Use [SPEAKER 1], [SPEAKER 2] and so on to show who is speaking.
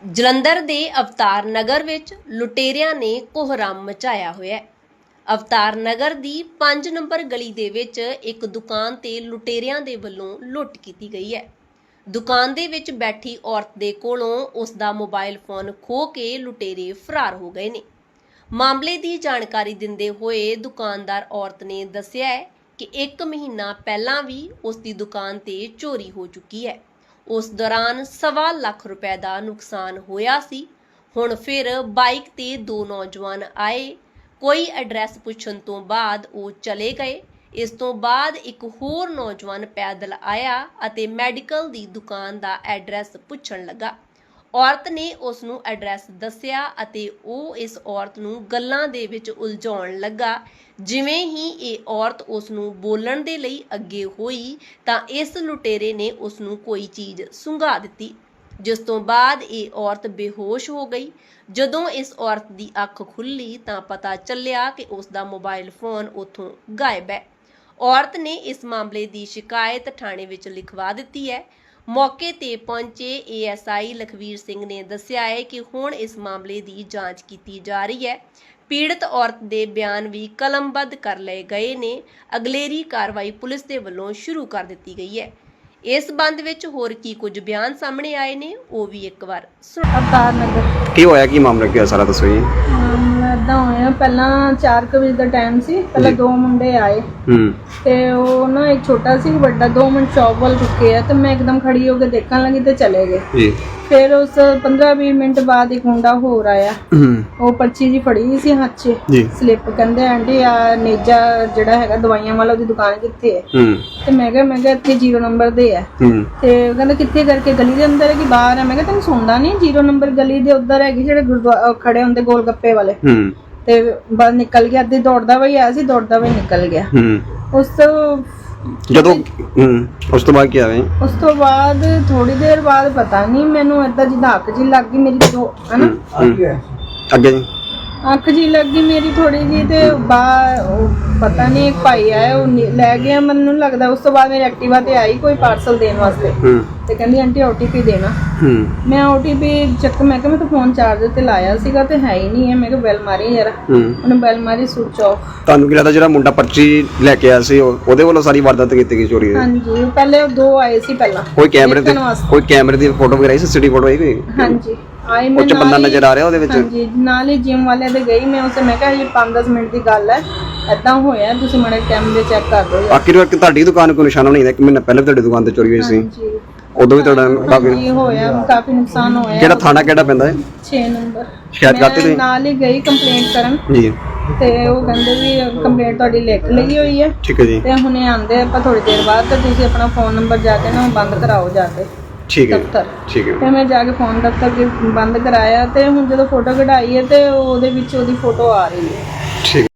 [SPEAKER 1] ਜਲੰਧਰ ਦੇ ਅਵਤਾਰ ਨਗਰ ਵਿੱਚ ਲੁਟੇਰਿਆਂ ਨੇ ਕੋਹਰਾਮ ਮਚਾਇਆ ਹੋਇਆ ਹੈ। ਅਵਤਾਰ ਨਗਰ ਦੀ 5 ਨੰਬਰ ਗਲੀ ਦੇ ਵਿੱਚ ਇੱਕ ਦੁਕਾਨ ਤੇ ਲੁਟੇਰਿਆਂ ਦੇ ਵੱਲੋਂ ਲੁੱਟ ਕੀਤੀ ਗਈ ਹੈ। ਦੁਕਾਨ ਦੇ ਵਿੱਚ ਬੈਠੀ ਔਰਤ ਦੇ ਕੋਲੋਂ ਉਸ ਦਾ ਮੋਬਾਈਲ ਫੋਨ ਖੋਹ ਕੇ ਲੁਟੇਰੇ ਫਰਾਰ ਹੋ ਗਏ ਨੇ। ਮਾਮਲੇ ਦੀ ਜਾਣਕਾਰੀ ਦਿੰਦੇ ਹੋਏ ਦੁਕਾਨਦਾਰ ਔਰਤ ਨੇ ਦੱਸਿਆ ਹੈ ਕਿ 1 ਮਹੀਨਾ ਪਹਿਲਾਂ ਵੀ ਉਸ ਦੀ ਦੁਕਾਨ ਤੇ ਚੋਰੀ ਹੋ ਚੁੱਕੀ ਹੈ। ਉਸ ਦੌਰਾਨ 1.25 ਲੱਖ ਰੁਪਏ ਦਾ ਨੁਕਸਾਨ ਹੋਇਆ ਸੀ। ਹੁਣ ਫਿਰ ਬਾਈਕ ਤੇ 2 ਨੌਜਵਾਨ ਆਏ। ਕੋਈ ਐਡਰੈਸ ਪੁੱਛਣ ਤੋਂ ਬਾਅਦ ਉਹ ਚਲੇ ਗਏ। ਇਸ ਤੋਂ ਬਾਅਦ ਇੱਕ ਹੋਰ ਨੌਜਵਾਨ ਪੈਦਲ ਆਇਆ ਅਤੇ ਮੈਡੀਕਲ ਦੀ ਦੁਕਾਨ ਦਾ ਐਡਰੈਸ ਪੁੱਛਣ ਲੱਗਾ। ਔਰਤ ਨੇ ਉਸ ਨੂੰ ਐਡਰੈਸ ਦੱਸਿਆ ਅਤੇ ਉਹ ਇਸ ਔਰਤ ਨੂੰ ਗੱਲਾਂ ਦੇ ਵਿੱਚ ਉਲਝਾਉਣ ਲੱਗਾ। ਜਿਵੇਂ ਹੀ ਇਹ ਔਰਤ ਉਸ ਨੂੰ ਬੋਲਣ ਦੇ ਲਈ ਅੱਗੇ ਹੋਈ ਤਾਂ ਇਸ ਲੁਟੇਰੇ ਨੇ ਉਸ ਨੂੰ ਕੋਈ ਚੀਜ਼ ਸੁੰਘਾ ਦਿੱਤੀ, ਜਿਸ ਤੋਂ ਬਾਅਦ ਇਹ ਔਰਤ ਬੇਹੋਸ਼ ਹੋ ਗਈ। ਜਦੋਂ ਇਸ ਔਰਤ ਦੀ ਅੱਖ ਖੁੱਲੀ ਤਾਂ ਪਤਾ ਚੱਲਿਆ ਕਿ ਉਸ ਦਾ ਮੋਬਾਈਲ ਫੋਨ ਉੱਥੋਂ ਗਾਇਬ ਹੈ। ਔਰਤ ਨੇ ਇਸ ਮਾਮਲੇ ਦੀ ਸ਼ਿਕਾਇਤ ਥਾਣੇ ਵਿੱਚ ਲਿਖਵਾ ਦਿੱਤੀ ਹੈ। ਮੌਕੇ ਤੇ ਪਹੁੰਚੇ ਏਐਸਆਈ ਲਖਵੀਰ ਸਿੰਘ ਨੇ ਦੱਸਿਆ ਹੈ ਕਿ ਹੁਣ ਇਸ ਮਾਮਲੇ ਦੀ ਜਾਂਚ ਕੀਤੀ ਜਾ ਰਹੀ ਹੈ। ਪੀੜਤ ਔਰਤ ਦੇ ਬਿਆਨ ਵੀ ਕਲਮਬੱਧ ਕਰ ਲਏ ਗਏ ਨੇ। ਅਗਲੇਰੀ ਕਾਰਵਾਈ ਪੁਲਿਸ ਦੇ ਵੱਲੋਂ ਸ਼ੁਰੂ ਕਰ ਦਿੱਤੀ ਗਈ ਹੈ। ਇਸ ਸੰਬੰਧ ਵਿੱਚ ਹੋਰ ਕੀ ਕੁਝ ਬਿਆਨ ਸਾਹਮਣੇ ਆਏ ਨੇ ਉਹ ਵੀ ਇੱਕ ਵਾਰ ਸੁਣੋ।
[SPEAKER 2] ਅਵਤਾਰ ਨਗਰ
[SPEAKER 3] ਕੀ ਹੋਇਆ, ਕੀ ਮਾਮਲਾ ਕੀ ਹੋਇਆ, ਸਾਰਾ ਦੱਸੋ ਜੀ।
[SPEAKER 2] ਏਦਾਂ ਹੋਇਆ, ਪਹਿਲਾਂ 4 ਵਜੇ ਦਾ ਟਾਈਮ ਸੀ। ਪਹਿਲਾਂ 2 ਮੁੰਡੇ ਆਏ ਤੇ ਉਹ ਨਾ ਇੱਕ ਛੋਟਾ ਸੀ ਵੱਡਾ 2 ਮਿੰਟ ਸ਼ੌਪ ਵੱਲ ਰੁਕੇ ਆ ਤੇ ਮੈਂ ਇੱਕਦਮ ਖੜੀ ਹੋ ਕੇ ਦੇਖਣ ਲੱਗੀ ਤੇ ਚਲੇ ਗਏ
[SPEAKER 3] ਜੀ।
[SPEAKER 2] ਫਿਰ ਉਸ 15-20 ਮਿੰਟ ਬਾਅਦ ਇੱਕ ਮੁੰਡਾ ਹੋਰ ਆਇਆ। ਉਹ ਪਰਚੀ ਜੀ ਫੜੀ ਸੀ ਹੱਥ 'ਚ, ਸਲਿੱਪ। ਕਹਿੰਦੇ ਆਂਟੀ ਆ ਨੇਜਾ ਜਿਹੜਾ ਹੈਗਾ ਦਵਾਈਆਂ ਵਾਲਾ ਉਹਦੀ ਦੁਕਾਨ ਕਿੱਥੇ ਹੈ? ਤੇ ਮੈਂ ਕਿਹਾ ਇੱਥੇ 0 ਨੰਬਰ ਦੇ ਹੈ। ਤੇ ਉਹ ਕਹਿੰਦਾ ਕਿੱਥੇ ਕਰਕੇ? ਗਲੀ ਦੇ ਅੰਦਰ ਹੈ ਕਿ ਬਾਹਰ ਹੈ? ਮੈਂ ਕਿਹਾ ਤੈਨੂੰ ਸੁਣਦਾ ਨਹੀਂ, 0 ਨੰਬਰ ਗਲੀ ਦੇ ਉੱਧਰ ਹੈਗੀ ਜਿਹੜੇ ਗੁਰਦੁਆਰਾ ਖੜੇ ਹੁੰਦੇ ਗੋਲ ਗੱਪੇ ਵਾਲੇ। ਤੇ ਬਸ ਨਿਕਲ ਗਿਆ, ਅੱਧੀ ਦੌੜਦਾ ਵਈ ਆਇਆ ਸੀ, ਦੌੜਦਾ ਵਈ ਨਿਕਲ ਗਿਆ। ਉਸ ਤੋਂ
[SPEAKER 3] ਜਦੋਂ ਉਸ ਤੋਂ ਬਾਅਦ ਕੀ ਆਵੇ?
[SPEAKER 2] ਉਸ ਤੋਂ ਬਾਅਦ ਥੋੜੀ ਦੇਰ ਬਾਅਦ ਪਤਾ ਨਹੀਂ ਮੈਨੂੰ ਏਦਾਂ ਜਿੱਦਾਂ ਅੱਖ ਜੀ ਲੱਗ ਗਈ ਮੇਰੀ, ਹਨਾ
[SPEAKER 3] ਅੱਗੇ ਜੀ
[SPEAKER 2] ਅੱਖ ਜੀ ਲੱਗ ਗਈ ਮੇਰੀ ਥੋੜੀ ਜੀ। ਤੇ ਪਤਾ ਨਹੀਂ ਇੱਕ ਭਾਈ ਆਇਆ ਉਹ ਲੈ ਗਿਆ ਮੈਨੂੰ ਲੱਗਦਾ। ਉਸ ਤੋਂ ਬਾਅਦ ਮੇਰੀ ਐਕਟਿਵਾ ਤੇ ਆਈ ਕੋਈ ਪਾਰਸਲ ਦੇਣ ਵਾਸਤੇ ਤੇ ਕਹਿੰਦੀ ਆਂਟੀ OTP ਦੇਣਾ। ਮੈਂ OTP ਚੱਕ, ਮੈਂ ਕਿਹਾ ਮੈਂ ਤਾਂ ਫੋਨ ਚਾਰਜਰ ਤੇ ਲਾਇਆ ਸੀਗਾ ਤੇ ਹੈ ਹੀ ਨਹੀਂ ਹੈ। ਮੈਂ ਕਿਹਾ ਬੈਲ ਮਾਰੀ ਯਾਰ, ਉਹਨੇ ਬੈਲ ਮਾਰੀ, ਸੁਚ ਆਫ।
[SPEAKER 3] ਤੁਹਾਨੂੰ ਕੀ ਲੱਗਦਾ ਜਿਹੜਾ ਮੁੰਡਾ ਪਰਚੀ ਲੈ ਕੇ ਆਇਆ ਸੀ ਉਹਦੇ ਵੱਲੋਂ ਸਾਰੀ ਵਾਰਦਾਤ ਕੀਤੀ ਗਈ ਚੋਰੀ ਦੀ?
[SPEAKER 2] ਹਾਂਜੀ, ਪਹਿਲੇ ਉਹ 2 ਆਏ ਸੀ ਪਹਿਲਾਂ।
[SPEAKER 3] ਕੋਈ ਕੈਮਰੇ ਦੀ ਫੋਟੋ ਵਗੈਰਾ CCTV ਫੋਟੋ ਆਈ ਕੋਈ?
[SPEAKER 2] ਹਾਂਜੀ ਆਈ।
[SPEAKER 3] ਉਹ ਚ ਬੰਦਾ ਨਜ਼ਰ ਆ ਰਿਹਾ ਉਹਦੇ ਵਿੱਚ?
[SPEAKER 2] ਹਾਂਜੀ, ਨਾਲ ਹੀ ਜਿਮ ਵਾਲੇ ਦੇ ਗਈ ਮੈਂ ਉਸੇ, ਮੈਂ ਕਿਹਾ ਇਹ 5-10 ਮਿੰਟ ਦੀ ਗੱਲ ਹੈ, ਏਦਾਂ ਹੋਇਆ, ਤੁਸੀਂ ਮਾੜੇ ਕੈਮਰੇ ਚੈੱਕ ਕਰ ਦਿਓ।
[SPEAKER 3] ਆਖਿਰ ਤੁਹਾਡੀ ਦੁਕਾਨ ਕੋਈ ਨਿਸ਼ਾਨਾ ਨਹੀਂ ਹੈ? 1 ਮਹੀਨਾ ਪਹਿਲਾਂ ਤੁਹਾਡੀ ਦੁਕਾਨ ਤੇ ਚੋਰੀ ਹੋਈ ਸੀ, ਉਦੋਂ ਵੀ ਤੁਹਾਡਾ ਕਾਫੀ
[SPEAKER 2] ਹੋਇਆ, ਕਾਫੀ ਨੁਕਸਾਨ ਹੋਇਆ।
[SPEAKER 3] ਕਿਹੜਾ ਥਾਣਾ ਕਿਹੜਾ ਪੈਂਦਾ ਹੈ?
[SPEAKER 2] 6 ਨੰਬਰ।
[SPEAKER 3] ਸ਼ਿਕਾਇਤ ਕਰਤੀ ਤੁਸੀਂ?
[SPEAKER 2] ਨਾਲ ਹੀ ਗਈ ਕੰਪਲੇਂਟ ਕਰਨ
[SPEAKER 3] ਜੀ
[SPEAKER 2] ਤੇ ਉਹ ਕਹਿੰਦੇ ਵੀ ਕੰਪਲੇਂਟ ਤੁਹਾਡੀ ਲਿਖ ਲਈ ਹੋਈ ਹੈ।
[SPEAKER 3] ਠੀਕ ਹੈ ਜੀ।
[SPEAKER 2] ਤੇ ਹੁਣੇ ਆਂਦੇ ਆਪਾਂ ਥੋੜੀ ਦੇਰ ਬਾਅਦ, ਤੇ ਤੁਸੀਂ ਆਪਣਾ ਫੋਨ ਨੰਬਰ ਜਾ ਕੇ ਨਾ ਬੰਦ ਕਰਾਓ ਜਾ ਕੇ।
[SPEAKER 3] ਠੀਕ ਹੈ
[SPEAKER 2] ਦਫ਼ਤਰ।
[SPEAKER 3] ਠੀਕ ਹੈ।
[SPEAKER 2] ਤੇ ਮੈਂ ਜਾ ਕੇ ਫੋਨ ਦਫ਼ਤਰ ਬੰਦ ਕਰਾਇਆ ਤੇ ਹੁਣ ਜਦੋਂ ਫੋਟੋ ਕਢਾਈ ਹੈ ਤੇ ਉਹਦੇ ਵਿੱਚ ਉਹਦੀ ਫੋਟੋ ਆ ਰਹੀ ਹੈ।
[SPEAKER 3] ਠੀਕ।